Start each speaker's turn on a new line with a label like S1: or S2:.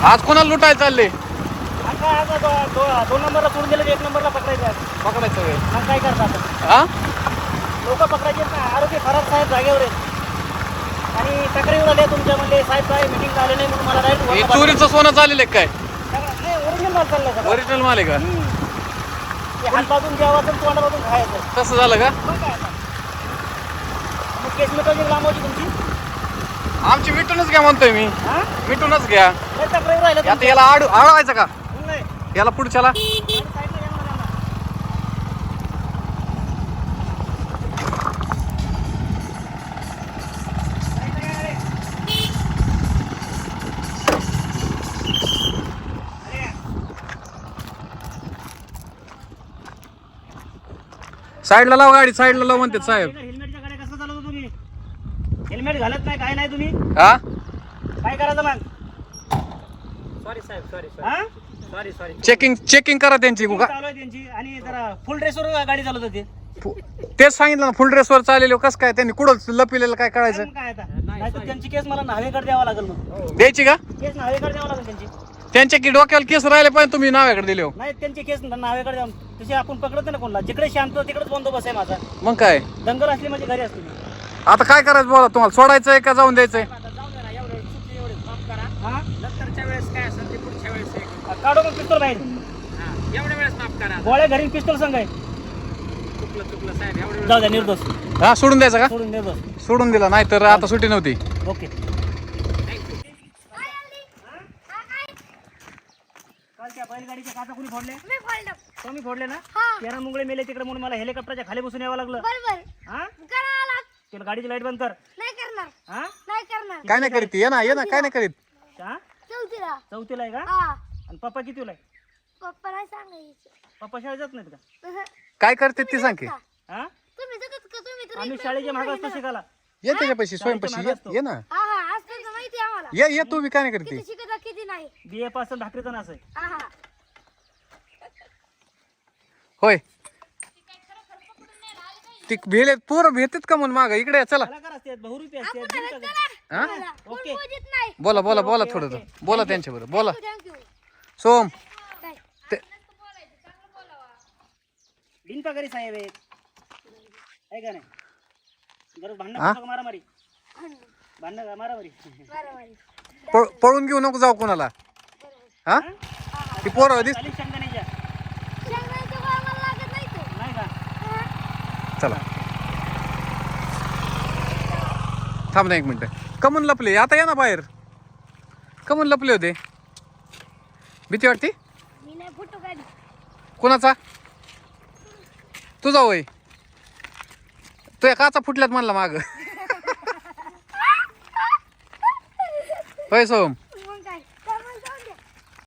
S1: आज कोणाला लुटायला चालले?
S2: आता दोन नंबरला सोडून दिलं, एक नंबरला पकडायचं आहे.
S1: पकडायचं वेळ
S2: मग काय करतात?
S1: हा
S2: लोक पकडायचे ना. आरोग्य खराब साहेब जागेवर आहेत आणि तक्रारीवर आले तुमच्या म्हणजे साहेब काय मीटिंग झाले नाही म्हणून मला
S1: हे
S2: डायरेक्ट
S1: चोरीचं सोनं चाललेलं काय?
S2: नाही ओरिजिनल माल चाललाय सगळं.
S1: ओरिजिनल माल आहे का?
S2: हात बाजून जेवायचं तोंडामधून खायचं.
S1: तसं झालं का?
S2: मग काय आता? मग केस मिटवली लांबवची तुमची.
S1: आमची मिटूनच घ्या म्हणतोय मी.
S2: हा
S1: मिटूनच घ्या.
S2: नाही तक्रारीवर राहिलं
S1: आता याला आडवायचं का?
S2: नाही
S1: याला पुढच्याला
S2: साईडला या म्हणा.
S1: साईडला लाव गाडी, साईडला लाव म्हणते साहेब.
S2: हेल्मेटच्या गाड्या कसं चालवतो तुम्ही? हेल्मेट घालत नाही, काय नाही तुम्ही.
S1: हा
S2: काय करायचं मग? सॉरी साहेब, सॉरी
S1: हा
S2: सॉरी सॉरी.
S1: चेकिंग करा त्यांची
S2: चालू आहे त्यांची आणि जरा फुल ड्रेसवर गाडी चालवत होती.
S1: तेच सांगितलं ना, फुल ड्रेसवर चाललेलो. कसं काय त्यांनी कुठं लपिलेलं काय कळायचं?
S2: काय आता नाही तर त्यांची केस मला नावेकडे द्यावा लागेल. मग
S1: द्यायची का?
S2: केस नावेकडे द्यावा लागेल त्यांची.
S1: त्यांच्या की डोक्याला केस राहिले पाहिजे, तुम्ही नाव्याकडे दिले हो.
S2: नाही त्यांची केस नावेकडे द्या. तसे आपण पकडत ना कोणाला. जिकडे शांत तिकडेच बंदोबस्त आहे माझा.
S1: मग काय
S2: दंगल असली म्हणजे घरी असते.
S1: आता काय करायचं बोला, तुम्हाला सोडायचंय का जाऊन द्यायचंय?
S2: नंतरच्या वेळेस काय असेल ते पुढच्या वेळेस काढू मग पिस्तूल बाहेर. एवढ्या वेळेस माफ करा. गोळ्या घरी पिस्तूल संघ आहे. चुकलं साहेब, एवढं जाऊ द्या. निर्दोष
S1: हा सोडून द्यायचं का?
S2: सोडून निर्दोष
S1: सोडून दिला, नाही तर आता सुट्टी नव्हती.
S2: ओके. कालच्या बैलगाडीच्या काचा कुणी फोडले?
S3: मी फोडलं.
S2: तुम्ही फोडले ना?
S3: हा.
S2: 13 मुंगळे मेले तिकडे म्हणून मला हेलिकॉप्टरच्या खाली बसून यावं लागलं.
S3: बरोबर.
S2: हा
S3: करावं लाग.
S2: तुला गाडीची लाईट बंद कर.
S3: नाही करणार.
S2: हा
S3: नाही करणार.
S1: काय नाही करीत, ये ना काय नाही करीत.
S2: हा
S3: चौथीला.
S2: चौथीला आहे का?
S3: हा.
S2: आणि पप्पा कितीला आहे?
S3: पप्पा नाही सांगायचं.
S2: पप्पा शाळेत जात नाहीत का?
S1: काय करते ती सांग की.
S2: हा
S3: तुम्ही जगत का तुम्ही तर
S2: आम्ही शाळेच्या मागे असतो शिकायला.
S1: ये त्याच्यापाशी स्वयंपाशी ये ना.
S3: हा हा असतं तर माहिती आहे आम्हाला.
S1: ये तू बी काय नाही करते.
S3: किती शिकत किती नाही.
S2: बीए पासून भाकरीचा नास आहे.
S3: हा हा.
S1: होय ती भेले पोरं भेटत का म्हणून माग इकडे या, चला.
S2: कलाकार असतात, बहुरूपी असतात.
S3: आपण
S2: बिनकाज
S3: चला.
S2: असतात.
S1: हा
S3: चला. कोण
S2: ओके.
S3: बोलत नाही.
S1: बोला
S2: ओके,
S1: थोडं
S2: ओके.
S1: बोला त्यांच्याबरोबर बोला.
S3: थँक्यू.
S1: सोम
S3: काय?
S1: ते-
S2: बिनपगारी साहेब आहेत. आहे का नाही? गरज
S1: हा?
S2: भांडण मारामारी. भांडण मारामारी.
S3: बरोबर.
S1: पळून घेऊ नको जाऊ कोणाला. हा ती पोरं दिस
S2: चालीस शेंगदाण्याच्या.
S3: शेंगदाण्याचं गोळा मला लागत नाही तो.
S2: नाही का?
S3: हा.
S1: चला. थांब ना एक मिनिट. कमून लपले आता, या ना बाहेर. कमून लपले होते? भीती वाटते?
S3: मी नाही फोटो काढ.
S1: कोणाचा? तुझा होय? तुझ्या काचा फुटल्यात म्हणला माग. होय सोम.